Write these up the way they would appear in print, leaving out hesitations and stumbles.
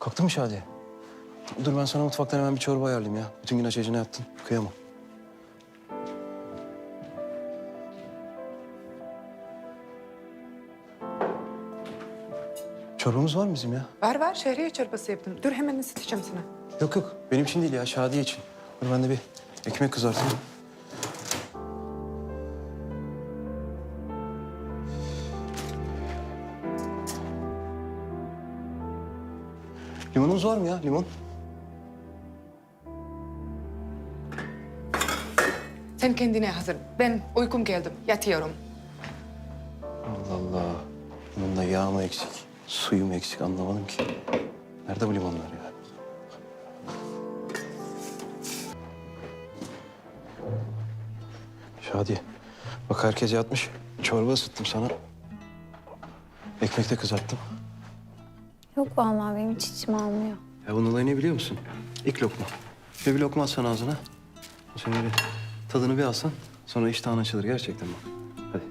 Kalktın mı Şadiye? Dur ben sana mutfaktan hemen bir çorba ayarlayayım ya. Bütün gün aç acına yattın. Kıyamam. Çorbamız var mı bizim ya? Var var, şehriye çorbası yaptım. Dur hemen ısıtacağım sana. Yok yok. Benim için değil ya. Şadiye için. Dur ben de bir ekmek kızartayım. Limonumuz var mı ya? Limon. Sen kendine hazır. Ben uykum geldim. Yatıyorum. Allah Allah. Bunun da yağ mı eksik, suyu mu eksik anlamadım ki. Nerede bu limonlar ya? Şadiye. Bak herkes yatmış. Çorba ısıttım sana. Ekmek de kızarttım. Yok vallahi benim hiç içim almıyor. Ya bunun olayı ne biliyor musun? İlk lokma. Şöyle bir lokma atsan ağzına. Şöyle bir tadını bir alsan. Sonra iştahın açılır gerçekten bak. Hadi.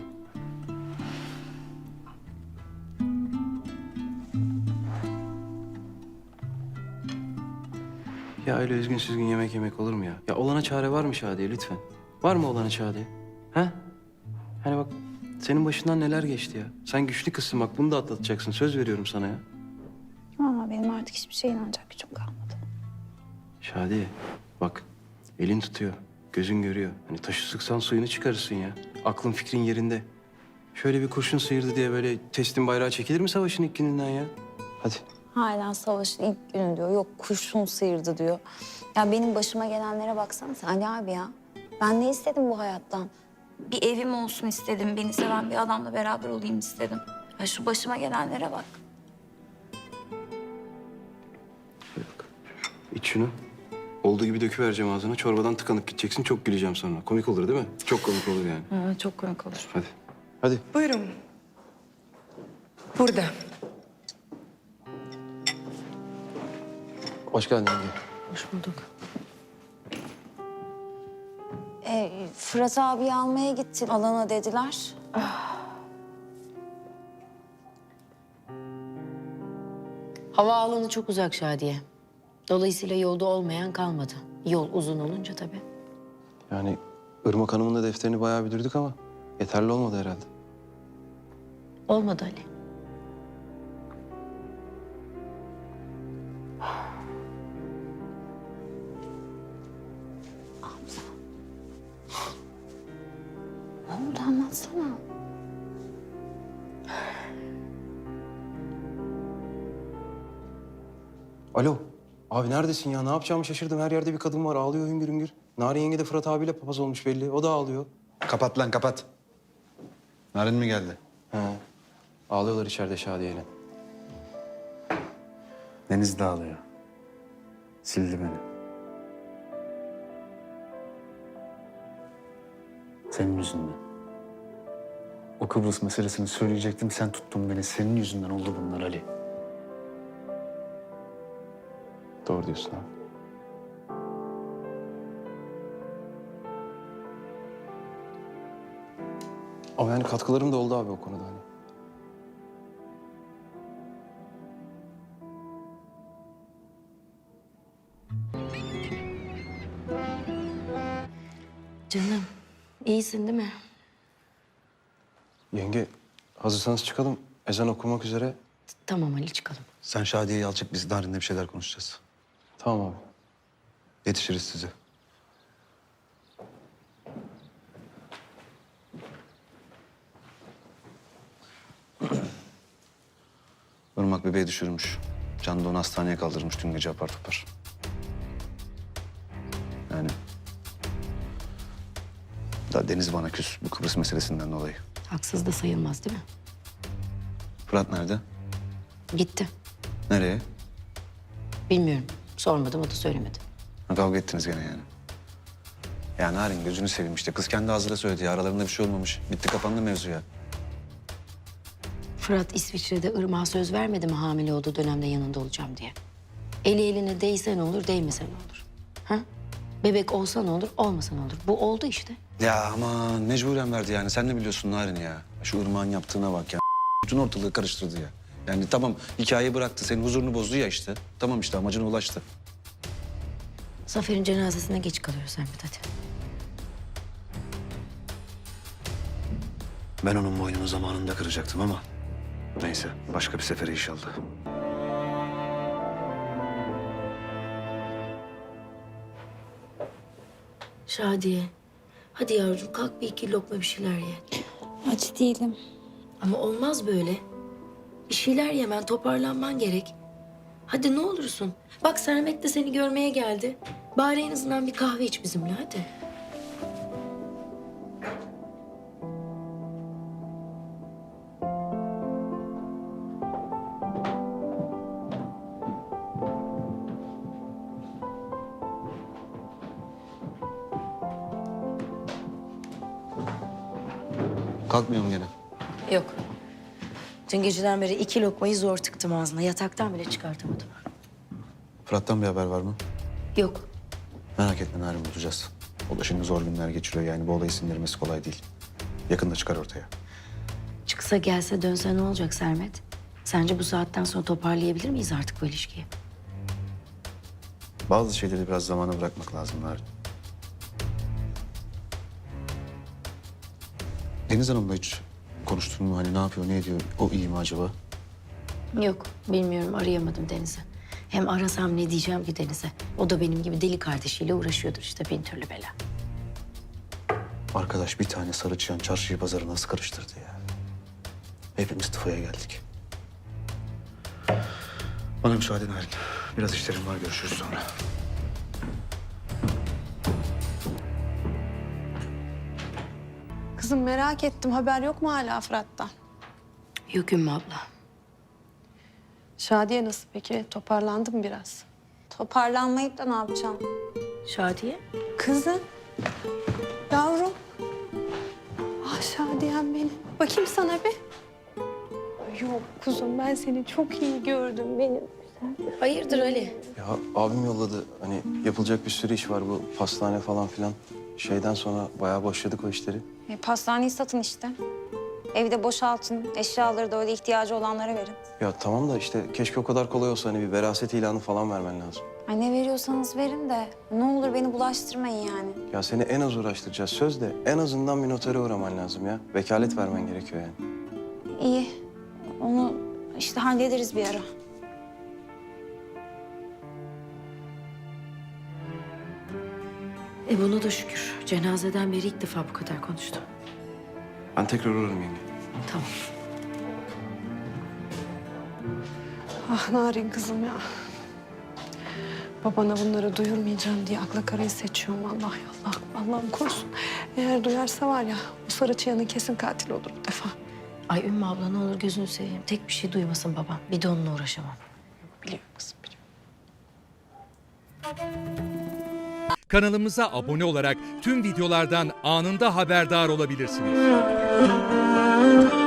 Ya öyle üzgün süzgün yemek yemek olur mu ya? Ya olana çare var mı Şadiye lütfen? Var mı olana Şadiye? Ha? Hani bak senin başından neler geçti ya. Sen güçlü kızsın bak bunu da atlatacaksın. Söz veriyorum sana ya. Vallahi benim artık hiçbir şeye inanacak gücüm kalmadı. Şadiye bak elin tutuyor, gözün görüyor. Hani taşı sıksan suyunu çıkarırsın ya. Aklın fikrin yerinde. Şöyle bir kurşun sıyırdı diye böyle teslim bayrağı çekilir mi savaşın ilk gününden ya? Hadi. Hala savaşın ilk günü diyor. Yok kurşun sıyırdı diyor. Ya benim başıma gelenlere baksana sen Ali abi ya. Ben ne istedim bu hayattan? Bir evim olsun istedim. Beni seven bir adamla beraber olayım istedim. Ya şu başıma gelenlere bak. Bak. İç şunu. Olduğu gibi döküvereceğim ağzına. Çorbadan tıkanıp gideceksin. Çok güleceğim sonra. Komik olur değil mi? Çok komik olur yani. Ha, çok komik olur. Hadi. Hadi. Buyurun. Burada. Hoş geldin yenge. Hoş bulduk. Fırat abi almaya gittin. Alana dediler. Havaalanı çok uzak Şadiye. Dolayısıyla yolda olmayan kalmadı. Yol uzun olunca tabii. Yani Irmak Hanım'ın da defterini bayağı büdürdük ama yeterli olmadı herhalde. Olmadı Ali. Ne oldu anlatsana. Alo. Abi neredesin ya? Ne yapacağımı şaşırdım. Her yerde bir kadın var. Ağlıyor hüngür hüngür. Narin yenge de Fırat abiyle papaz olmuş belli. O da ağlıyor. Kapat lan kapat. Narin mi geldi? He. Ağlıyorlar içeride Şadiye'yle. Deniz de ağlıyor. Sildi beni. Senin yüzünden. O Kıbrıs meselesini söyleyecektim. Sen tuttun beni. Senin yüzünden oldu bunlar Ali. Doğru diyorsun abi. Ama yani katkılarım da oldu abi o konuda hani. Canım, iyisin değil mi? Yenge hazırsanız çıkalım. Ezan okumak üzere. Tamam Ali çıkalım. Sen Şadiye'yi al çık. Biz Narin'le bir şeyler konuşacağız. Tamam abi. Yetişiriz size. Irmak bebeği düşürmüş. Can da onu hastaneye kaldırmış dün gece apar topar. Yani... Daha Deniz bana küs bu Kıbrıs meselesinden dolayı. Haksız da sayılmaz değil mi? Fırat nerede? Gitti. Nereye? Bilmiyorum. Sormadım, o da söylemedi. Ha, kavga ettiniz gene yani. Ya Narin gözünü seveyim işte. Kız kendi ağzıyla söyledi ya. Aralarında bir şey olmamış. Bitti kapandı mevzu ya. Fırat İsviçre'de Irmak'a söz vermedi mi hamile olduğu dönemde yanında olacağım diye? Eli eline değse ne olur, değmese ne olur? Ha? Bebek olsa ne olur, olmasa ne olur? Bu oldu işte. Ya aman mecburen verdi yani. Sen ne biliyorsun Narin ya? Şu Irmak'ın yaptığına bak ya. Bütün ortalığı karıştırdı ya. Yani tamam hikaye bıraktı, senin huzurunu bozdu ya işte. Tamam işte amacına ulaştı. Zafer'in cenazesine geç kalıyoruz Sermet hadi. Ben onun boynunu zamanında kıracaktım ama neyse başka bir sefere inşallah. Şadiye. Hadi yavrum kalk bir iki lokma bir şeyler ye. Aç değilim. Ama olmaz böyle. Bir şeyler yemen, toparlanman gerek. Hadi ne olursun. Bak Sermet de seni görmeye geldi. Bari en azından bir kahve iç bizimle hadi. Kalkmıyor mu gene? Yok. Dün geceden beri 2 lokmayı zor tıktım ağzına. Yataktan bile çıkartamadım. Fırat'tan bir haber var mı? Yok. Merak etme Narin, bulacağız. O da şimdi zor günler geçiriyor yani bu olayı sindirmesi kolay değil. Yakında çıkar ortaya. Çıksa gelse dönse ne olacak Sermet? Sence bu saatten sonra toparlayabilir miyiz artık bu ilişkiyi? Bazı şeyleri biraz zamana bırakmak lazım Narin. Deniz Hanım'la hiç konuştun mu? Hani ne yapıyor, ne ediyor? O iyi mi acaba? Yok, bilmiyorum. Arayamadım Deniz'i. Hem arasam ne diyeceğim ki Deniz'e? O da benim gibi deli kardeşiyle uğraşıyordur işte bin türlü bela. Arkadaş bir tane sarı çıyan çarşıyı pazarı nasıl karıştırdı ya? Hepimiz tıfaya geldik. Bana müsaade Narin. Biraz işlerim var, görüşürüz sonra. Kızım merak ettim. Haber yok mu hala Fırat'tan? Yok Ümmü abla. Şadiye nasıl peki? Toparlandı mı biraz? Toparlanmayıp da ne yapacağım? Şadiye? Kızım. Yavrum. Ah Şadiyem benim. Bakayım sana bir. Yok kuzum ben seni çok iyi gördüm benim. Hayırdır Ali? Ya abim yolladı. Hani yapılacak bir sürü iş var bu pastane falan filan. Şeyden sonra bayağı boşladık o işleri. Pastaneyi satın işte. Evi de boşaltın. Eşyaları da öyle ihtiyacı olanlara verin. Ya tamam da işte keşke o kadar kolay olsa hani bir veraset ilanı falan vermen lazım. Ay ne veriyorsanız verin de ne olur beni bulaştırmayın yani. Ya seni en az uğraştıracağız söz de en azından bir notere uğraman lazım ya. Vekalet vermen gerekiyor yani. İyi. Onu işte hallederiz bir ara. Buna da şükür. Cenazeden beri ilk defa bu kadar konuştum. Ben tekrar uğrarım yenge. Tamam. Ah Narin kızım ya. Babana bunları duyurmayacağım diye akla karayı seçiyorum. Allah Allah. Allah'ım korusun. Eğer duyarsa var ya bu sarı çıyanın kesin katil olur bu defa. Ay Ümmü abla ne olur gözünü seveyim. Tek bir şey duymasın babam. Bir de onunla uğraşamam. Biliyorum kızım biliyorum. Kanalımıza abone olarak tüm videolardan anında haberdar olabilirsiniz.